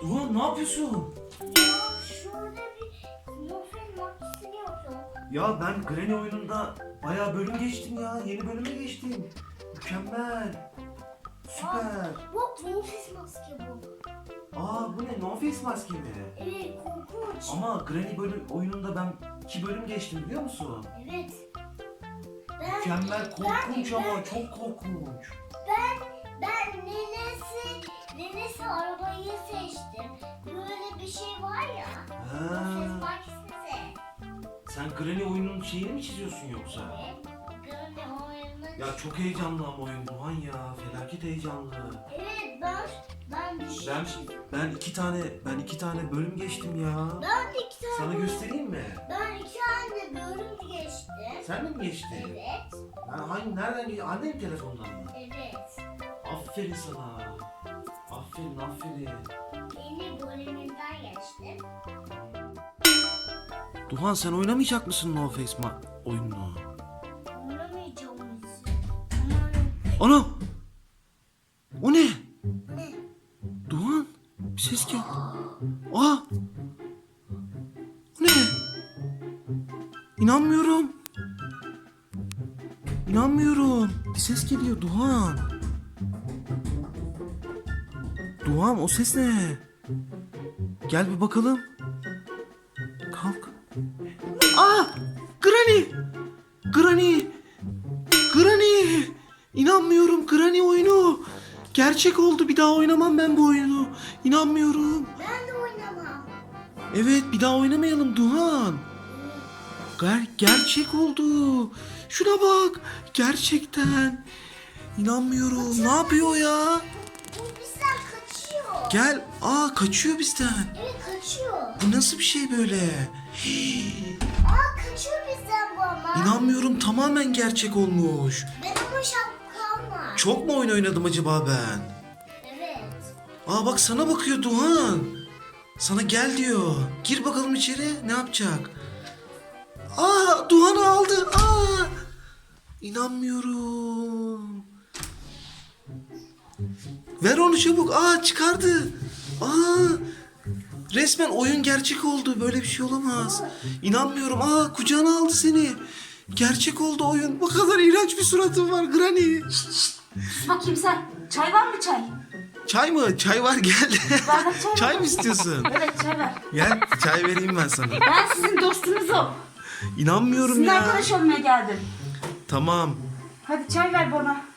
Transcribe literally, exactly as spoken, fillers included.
Duhan ne yapıyorsun? Ya şurada bir Nofel makinesi yapıyorum. Ya ben Granny oyununda bayağı bölüm geçtim ya. Yeni bölüme geçtim. Mükemmel. Süper. Bak Nofel maske bu. Aa bu ne? No Face maske mi? Evet korkunç. Ama Granny bölüm oyununda ben iki bölüm geçtim biliyor musun? Evet. Ben, Mükemmel korkunç ben- ama ben- çok korkunç. Ben ben nenesi nenesi arabayı seçtim. Böyle bir şey var ya. Nofel Ha, makinesi. sen Granny oyunun şeyini mi çiziyorsun yoksa? Evet. Böyle oyunu. Ya çok heyecanlı ama oyun Duhan ya. Felaket heyecanlı. Evet ben ben bir şey. Ben ben iki tane ben iki tane bölüm geçtim ya. Ben de iki tane. Sana göstereyim mi? Ben iki tane bölüm geçtim. Sen de mi geçtin? Evet. Ben hangi nereden geçtin? Annem telefondan mı? Evet. Aferin sana. Aferin aferin. Yeni bölümünden geçtim. Duhan sen oynamayacak mısın No Face ma oyununu? Oynamayacağım mısın? Ana! O ne? Ne? Duhan bir ses geldi. Aa! O ne? İnanmıyorum. İnanmıyorum. Bir ses geliyor Duhan. Duhan o ses ne? Gel bir bakalım. Kalk. Aa! Granny! Granny! Granny! İnanmıyorum Granny oyunu. Gerçek oldu. Bir daha oynamam ben bu oyunu. İnanmıyorum. Ben de oynamam. Evet bir daha oynamayalım Duhan. Ger gerçek oldu. Şuna bak. Gerçekten. İnanmıyorum. Ne yapıyor ya? Bu bizden kaçıyor. Gel. Aa kaçıyor bizden. Evet kaçıyor. Bu nasıl bir şey böyle? Hii. Aa kaçıyor bizden bu ama. İnanmıyorum tamamen gerçek olmuş. Ben ama şapkam var. Çok mu oyun oynadım acaba ben? Evet. Aa bak sana bakıyor Duhan. Sana gel diyor. Gir bakalım içeri. Ne yapacak? Aa Duhan'ı aldı. Aa! İnanmıyorum. Ver onu çabuk. Aa çıkardı. Aa! Resmen oyun gerçek oldu. Böyle bir şey olamaz. İnanmıyorum. Aa kucağına aldı seni. Gerçek oldu oyun. Bu kadar iğrenç bir suratın var Granny. Sus bakayım sen. Çay var mı çay? Çay mı? Çay var gel. Bardak çay Çay var mı istiyorsun? Evet çay ver. Gel çay vereyim ben sana. Ben sizin dostunuzum. İnanmıyorum Sizinle ya. arkadaş olmaya geldim. Tamam. Hadi çay ver bana.